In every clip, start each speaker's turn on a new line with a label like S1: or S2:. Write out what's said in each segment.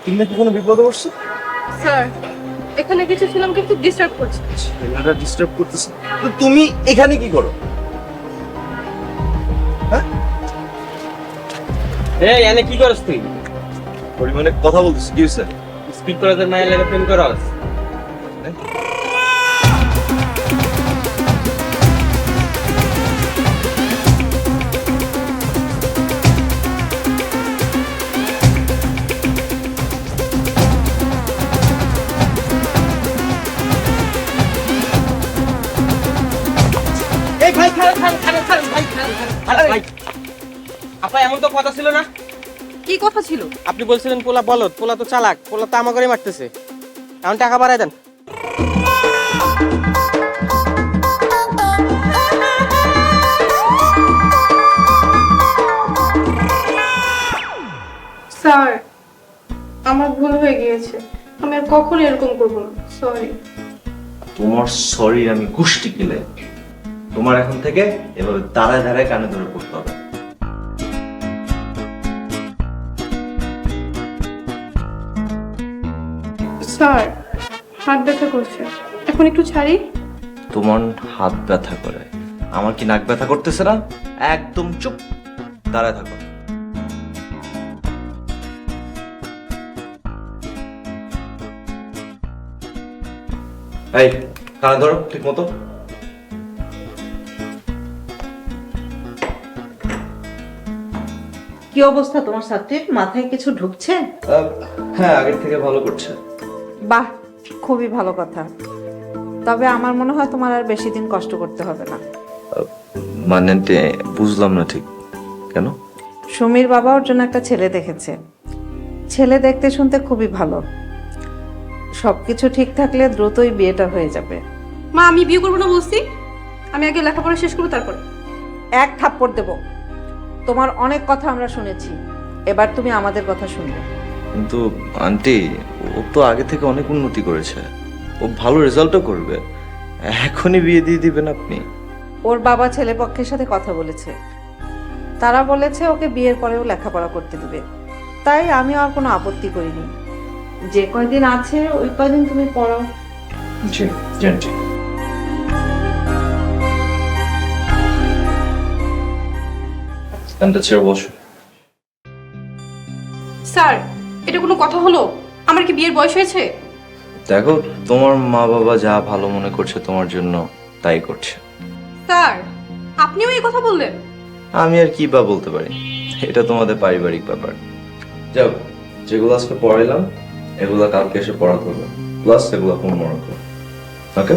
S1: তুমি নাকি কোনো বিপদে পড়ছো?
S2: স্যার এখানে কিছু ছিলাম কিন্তু ডিস্টার্ব করছে।
S1: ছেলেটা ডিস্টার্ব করতেছে। তো তুমি এখানে কি করো? হ্যাঁ,
S3: এই এনে কি করছ তুই?
S1: পরিমাণে কথা বলতেছি, কি হয়েছে?
S3: স্পিড করে তোর মায়ের লাগে প্রেম করস? এই ভাই খারাপ ভাই খারাপ ভাই। আপা এমন তো কথা ছিল না।
S2: কি কথা ছিল?
S3: আপনি বলছিলেন পোলা বলদ, পোলা তো চালাক, পোলা তো আমাকে মারতেছে। এখন টাকা বাড়ায় দেন।
S2: স্যার আমার ভুল হয়ে গিয়েছে, আমি আর কখনো এরকম করবো না, সরি।
S1: তোমার সরি আমি গুষ্টি কিলে। তোমার এখন থেকে এভাবে দাঁড়ায় দাঁড়ায় কানে ধরে পড়তে হবে।
S2: স্যার হাত ব্যথা করছে, এখন একটু ছাড়ি।
S1: তোমার হাত ব্যথা করে, আমার কি নাক ব্যথা করতেছে না? একদম চুপ, দাঁড়ায় থাকো। এই কানে ধরো ঠিক মতো।
S4: কি অবস্থা তোমার ছাত্রীর? মাথায় কিছু ঢুকছে?
S1: হ্যাঁ, আগের থেকে ভালো করছে।
S4: বাহ, খুবই ভালো কথা। তবে আমার মনে হয় তোমার আর বেশি দিন কষ্ট করতে হবে না।
S1: মানে বুঝলাম না ঠিক, কেন?
S4: সুমির বাবা ওর জন্য একটা ছেলে দেখেছে। ছেলে দেখতে শুনতে খুবই ভালো। সবকিছু ঠিক থাকলে দ্রুতই বিয়েটা হয়ে যাবে।
S2: মা আমি বিয়ে করবো না বলছি, আমি আগে লেখাপড়া শেষ করবো তারপর।
S4: এক থাপ্পড় দেব। তোমার অনেক কথা আমরা শুনেছি, এবার তুমি আমাদের কথা শুনবে।
S1: কিন্তু আন্টি, ও তো আগে থেকে অনেক উন্নতি করেছে, ও ভালো রেজাল্টও করবে। এখনই বিয়ে দিয়ে দিবেন আপনি?
S4: ওর বাবা ছেলে পক্ষের সাথে কথা বলেছে, তারা বলেছে ওকে বিয়ের পরেও লেখাপড়া করতে দিবে। তাই আমি আর কোনো আপত্তি করিনি। যে কয়দিন আছে ওই কয়দিন তুমি পড়াও।
S1: জি জি। ছেড়ে বসো।
S2: স্যার এটা কোনো কথা হলো? আমার কি বিয়ের বয়স হয়েছে?
S1: দেখো, তোমার মা বাবা যা ভালো মনে করছে তোমার জন্য তাই করছে।
S2: স্যার আপনিও এই কথা বললেন?
S1: আমি আর কি বা বলতে পারি, এটা তোমাদের পারিবারিক ব্যাপার। যাও, যেগুলো আজকে পড়াইলাম এগুলা কালকে এসে পড়াতে হবে, প্লাস এগুলো মনে রাখো। ওকে?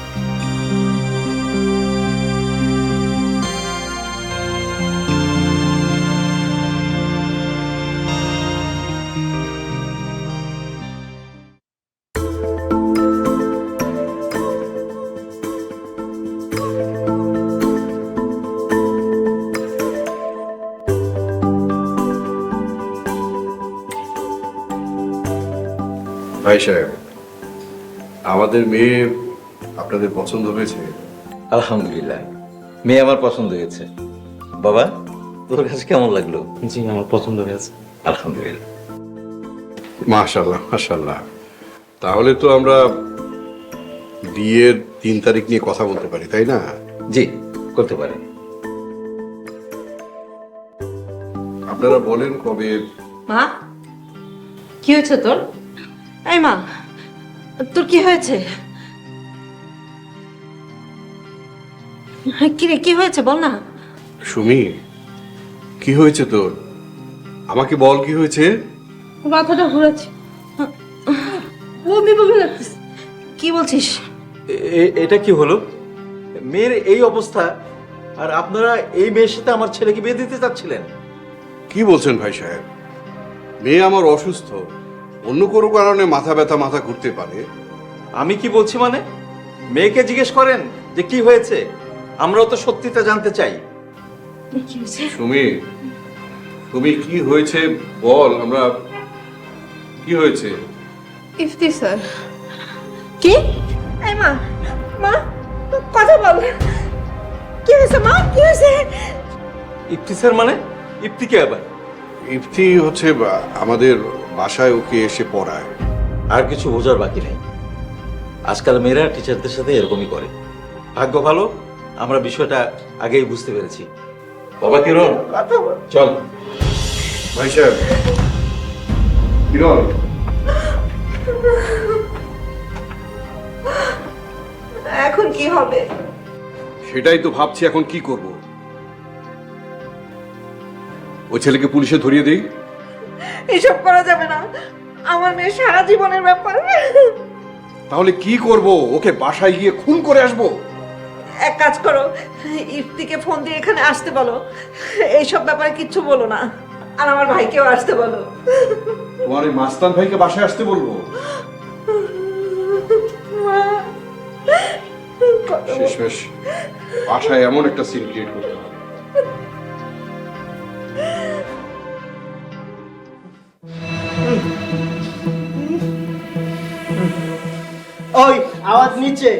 S5: ভাই সাহেব, আমাদের মেয়ে আপনাদের পছন্দ হয়েছে?
S6: আলহামদুলিল্লাহ, মেয়ে আমার পছন্দ হয়েছে। বাবা, তোর কাছে কেমন লাগলো?
S3: জি আমার পছন্দ হয়েছে।
S6: আলহামদুলিল্লাহ।
S5: মাশাআল্লাহ মাশাআল্লাহ। তাহলে তো আমরা বিয়ের 3 তারিখ নিয়ে কথা বলতে পারি, তাই না?
S6: জি, করতে পারেন।
S5: আপনারা বলেন কবে।
S4: মা, কি হয়েছে তোর? এই মা, তোর কি হয়েছে? কি রে, কি হয়েছে বল না।
S5: সুমি, কি হয়েছে তোর? আমাকে বল কি হয়েছে।
S2: মাথাটা ঘুরাচ্ছে, বমি বমি লাগতেছে।
S4: কি বলছিস?
S6: এটা কি হলো? মেয়ের এই অবস্থা, আর আপনারা এই মেয়ের সাথে আমার ছেলেকে বিয়ে দিতে চাচ্ছিলেন?
S5: কি বলছেন ভাই সাহেব? মেয়ে আমার অসুস্থ, অন্য কোনো কারণে মাথা ব্যথা, মাথা ঘুরতে পারে।
S6: আমি কি বলছি মানে? মেয়েকে জিজ্ঞেস করেন যে কি হয়েছে, আমরাও তো সত্যিটা জানতে চাই।
S5: সুমি, তুমি কি হয়েছে বল, আমরা কি হয়েছে।
S2: ইফতি স্যার।
S4: কি? এই মা, মা কথা বল। কি হয়েছে মা, কি হয়েছে?
S6: ইফতি স্যার মানে? ইফতি কে আবার?
S5: ইফতি হচ্ছে আমাদের বাসায় ওকে এসে পড়ায়।
S6: আর কিছু বোঝার বাকি নেই। আজকাল মেয়েরা টিচারদের সাথে এরকমই করে। ভাগ্য ভালো আমরা বিষয়টা আগেই বুঝতে পেরেছি। বাবা কিরণ, চল।
S5: ভাই সাহেব, কিরণ,
S4: এখন কি হবে?
S5: সেটাই তো ভাবছি এখন কি করব। ওই ছেলেকে পুলিশে ধরিয়ে দেই?
S4: এসব করা যাবে না, আমার মেয়ে সারা জীবনের ব্যাপার।
S5: তাহলে কি করব? ওকে বাসায় গিয়ে খুন করে আসবো?
S4: এক কাজ করো, ইফতিকে ফোন দিয়ে এখানে আসতে বলো, এইসব ব্যাপারে কিচ্ছু বলো না, আর আমার ভাইকেও আসতে বলো।
S5: তোমার এই মাস্তান ভাইকে বাসায় আসতে বলবো? শেষমেশ বাসায় এমন একটা সিন ক্রিয়েট করতে হবে।
S3: ওই আওয়াজ নিচে।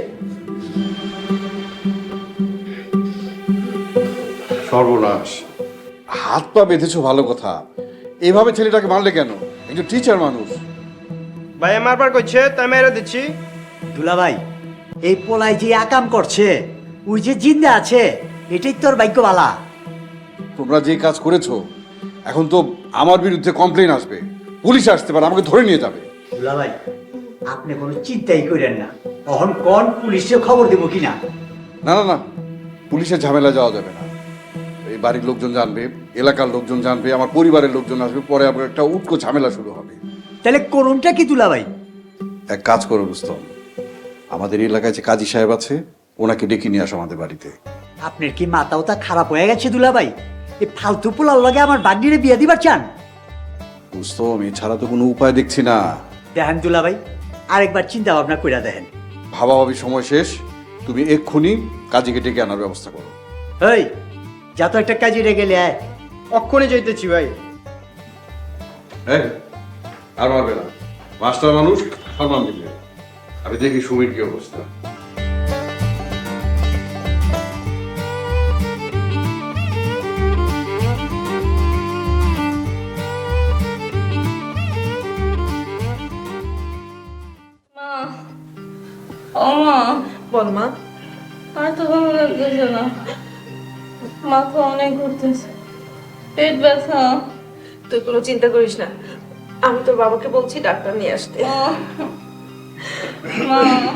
S5: সর্বনাশ, হাত পা বেঁধেছো ভালো কথা, এইভাবে ছেলেটাকে মারলে কেন? একজন টিচার মানুষ।
S7: ভাই মারবার করছে তাই মেরে দিচ্ছি।
S8: দুলাভাই, এই পোলাই যে আকাম করছে, ওই যে জিন্দা আছে, এটাই তোর ভাগ্যবালা।
S5: তোমরা যে কাজ করেছো, এখন তো আমার বিরুদ্ধে কমপ্লেন আসবে, পুলিশ আসতে পারে, আমাকে ধরে নিয়ে যাবে।
S8: দুলাভাই, আপনি কোনো চিন্তাই করেন না, তখন কোন পুলিশে খবর দেবো কিনা।
S5: না না না, পুলিশের ঝামেলা যাওয়া যাবে না। এই বাড়ির লোকজন জানবে, এলাকার লোকজন জানবে, আমার পরিবারের লোকজন আসবে, পরে আবার একটা উটকো ঝামেলা শুরু হবে।
S8: তাহলে করুনটা কি দুলাভাই?
S5: এক কাজ করো রুস্তম, আমাদের এলাকায় যে কাজী সাহেব আছে, ওনাকে ডেকে নিয়ে আসো আমাদের বাড়িতে।
S8: আপনার কি মাথাও তা খারাপ হয়ে গেছে দুলাভাই? এই ফালতু পোলার লগে আমার বান্ডিরে বিয়ে দিবার চান?
S5: রুস্তম, এছাড়া তো কোনো উপায় দেখছি না।
S8: দেখেন দুলাভাই, আরেকবার চিন্তা ভাবনা করে দেখেন।
S5: ভাবাভাবি সময় শেষ, তুমি এক্ষুনি কাজীকে ডেকে আনার ব্যবস্থা করো।
S8: এই যা তো একটা কাজে রেগে গেলে আয়।
S7: অক্ষণে যাইতেছি ভাই।
S5: হ্যাঁ, আর মারবে না, মাস্টার মানুষ, সম্মান দিবে। আমি দেখি সুমির কি অবস্থা।
S2: মা, ও মা,
S4: বল মা।
S2: আর তো ভালো লাগতেছে না, মাথা অনেক ঘুরতেছে, পেট ব্যথা।
S4: তুই কোনো চিন্তা করিস না, আমি তোর বাবাকে বলছি ডাক্তার নিয়ে আসতে।
S2: মা,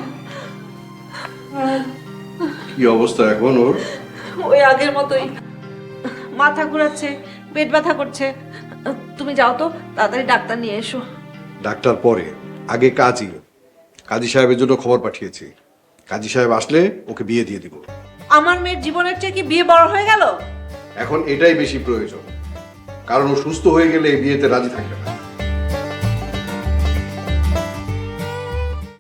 S5: কি অবস্থা এখন ওর?
S4: ওই আগের মতোই, মাথা ঘোরাচ্ছে, পেট ব্যথা করছে। তুমি যাও তো, তাড়াতাড়ি ডাক্তার নিয়ে এসো।
S5: ডাক্তার পরে, আগে কাজী সাহেবের জন্য খবর পাঠিয়েছি। কাজী সাহেব আসলে ওকে বিয়ে দিয়ে দিব।
S4: আমার মেয়ের জীবনের চেয়ে কি বিয়ে বড় হয়ে গেল?
S5: এখন এটাই বেশি প্রয়োজন, কারণ ও সুস্থ হয়ে গেলে এই বিয়েতে রাজি থাকবে না।